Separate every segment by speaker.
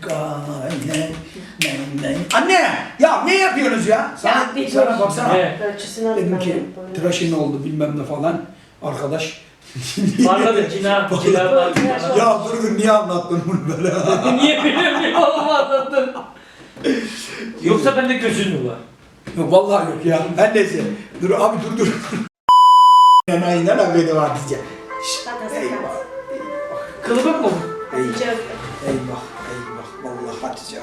Speaker 1: Anne! Ya ne yapıyorsunuz ya? Sana baksana.
Speaker 2: Ölçüsünü
Speaker 1: Dedim ki
Speaker 2: alayım.
Speaker 1: tıraşın oldu bilmem ne falan. Arkadaş.
Speaker 3: Parladı cina var.
Speaker 1: Ya dur niye anlattın bunu böyle?
Speaker 3: Niye bilmiyorum oğlum anlattın. Yoksa bende gözün mü var?
Speaker 1: Yok vallahi yok ya. Ben neyse. Dur abi dur. Aynen abi var diyeceğim. Eyvah.
Speaker 3: Kılıbık mı bu?
Speaker 1: Eyvah. Vallahi Hatice.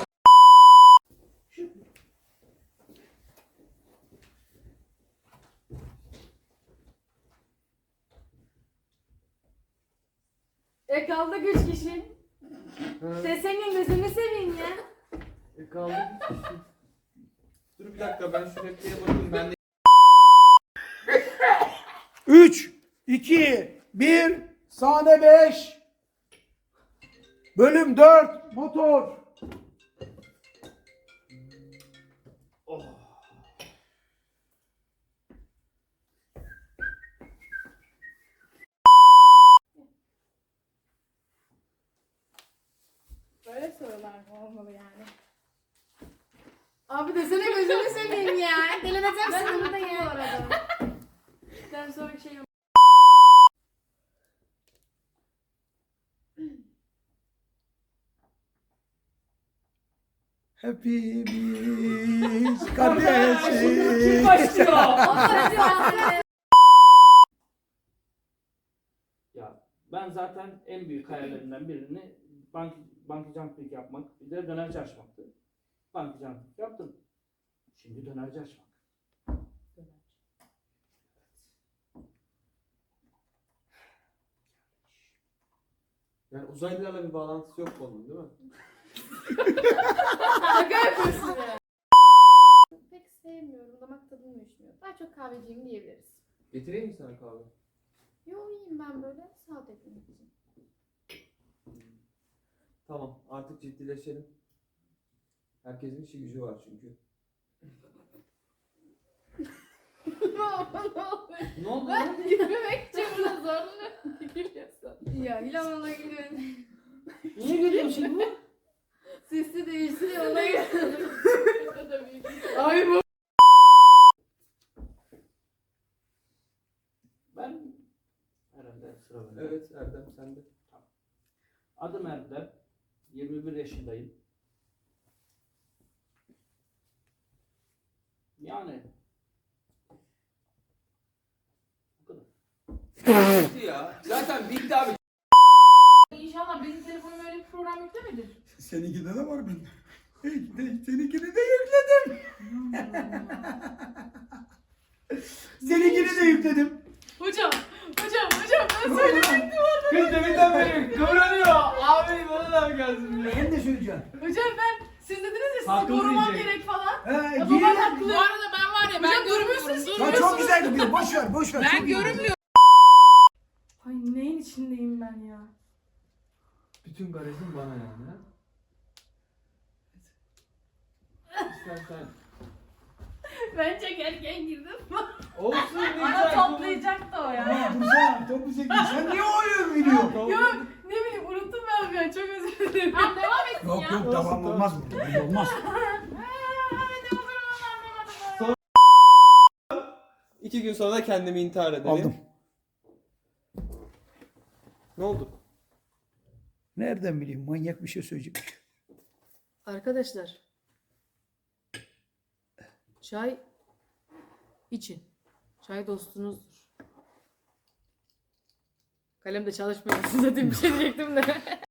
Speaker 4: Kaldık 3 kişi. Senin gözünü seveyim ya.
Speaker 5: Kaldı. Dur bir dakika ben şu repliğe bakayım ben de.
Speaker 1: 3, 2, 1, sahne 5. Bölüm 4, motor.
Speaker 4: Böyle sorular mı olmalı yani? Abi desene gözünü seveyim ya. Deleneceğim sınırda ya. Ben sonra bir şey yok.
Speaker 1: Hepimiz kardeşiz.
Speaker 3: Kim başlıyor? Ya ben zaten en büyük hayallerimden birini bank jumping yapmak, bir de dönerci açmaktı. Bank jumping yaptım. Şimdi dönerci açmak.
Speaker 5: Yani uzaylılarla bir bağlantısı yok onun değil mi?
Speaker 4: Şaka yapıyorsun ya. Pek sevmiyorum. Damak tadım uyuşmuyor. Daha çok kahveciyim diyebiliriz.
Speaker 5: Getireyim mi sana kahve?
Speaker 4: Yo iyiyim ben böyle. Sağ eklemek için.
Speaker 5: Tamam artık ciddileşelim. Herkesin işi gücü var çünkü.
Speaker 3: Ne oldu?
Speaker 4: Ben yürümek için burada zorla gülüyorsun. Ya İlhan'a gidiyorum.
Speaker 3: Niye geliyorsun şimdi?
Speaker 4: Sesi değişti ona gidiyorum. Ay bu.
Speaker 3: Ben herhalde sıra bende.
Speaker 5: Evet Erdem sen de.
Speaker 3: Adım Erdem. 21 yaşındayım. Yani bu kadar.
Speaker 5: Bitti ya. Zaten bitti abi.
Speaker 4: İnşallah benim telefonum öyle bir program yüklemedir.
Speaker 1: Seninkinde de var bende. Seninkini de yükledim. Seninkini de yükledim.
Speaker 4: Hocam ben söyleyecektim.
Speaker 5: Kız deminden beri kıvranıyor. Abi bana da mı gelsin diyor.
Speaker 1: Ben de söyleyeceğim.
Speaker 4: Hocam ben siz dediniz ya sizi
Speaker 5: Hakkını
Speaker 4: korumam
Speaker 5: yiyecek.
Speaker 4: gerek falan.
Speaker 1: He,
Speaker 4: Babam haklı. Bu arada ben var ya ben görmüyorsunuz.
Speaker 1: Ya çok güzel gidiyor. Boş ver.
Speaker 4: Ben görünmüyorum. Ay neyin içindeyim ben ya?
Speaker 5: Bütün garajın bana yani ha. İstersen.
Speaker 4: Ben çok erken girdim.
Speaker 5: Olsun ne
Speaker 4: Bana
Speaker 5: güzel.
Speaker 4: toplayacaktı o ya.
Speaker 1: Ama dursana. Topu çekti. Sen niye oyun biliyorsun?
Speaker 4: Yok ne bileyim unuttum ben ya çok özür dilerim. Tamam devam etsin ya.
Speaker 1: Yok tamam olmaz bu. Olmaz.
Speaker 5: 2 gün sonra kendimi intihar ederim.
Speaker 1: Aldım.
Speaker 5: Ne oldu?
Speaker 1: Nereden bileyim manyak bir şey söyleyecek.
Speaker 2: Arkadaşlar. Çay için. Çay dostunuzdur. Kalem de çalışmıyor. Zaten bir şey diyecektim de.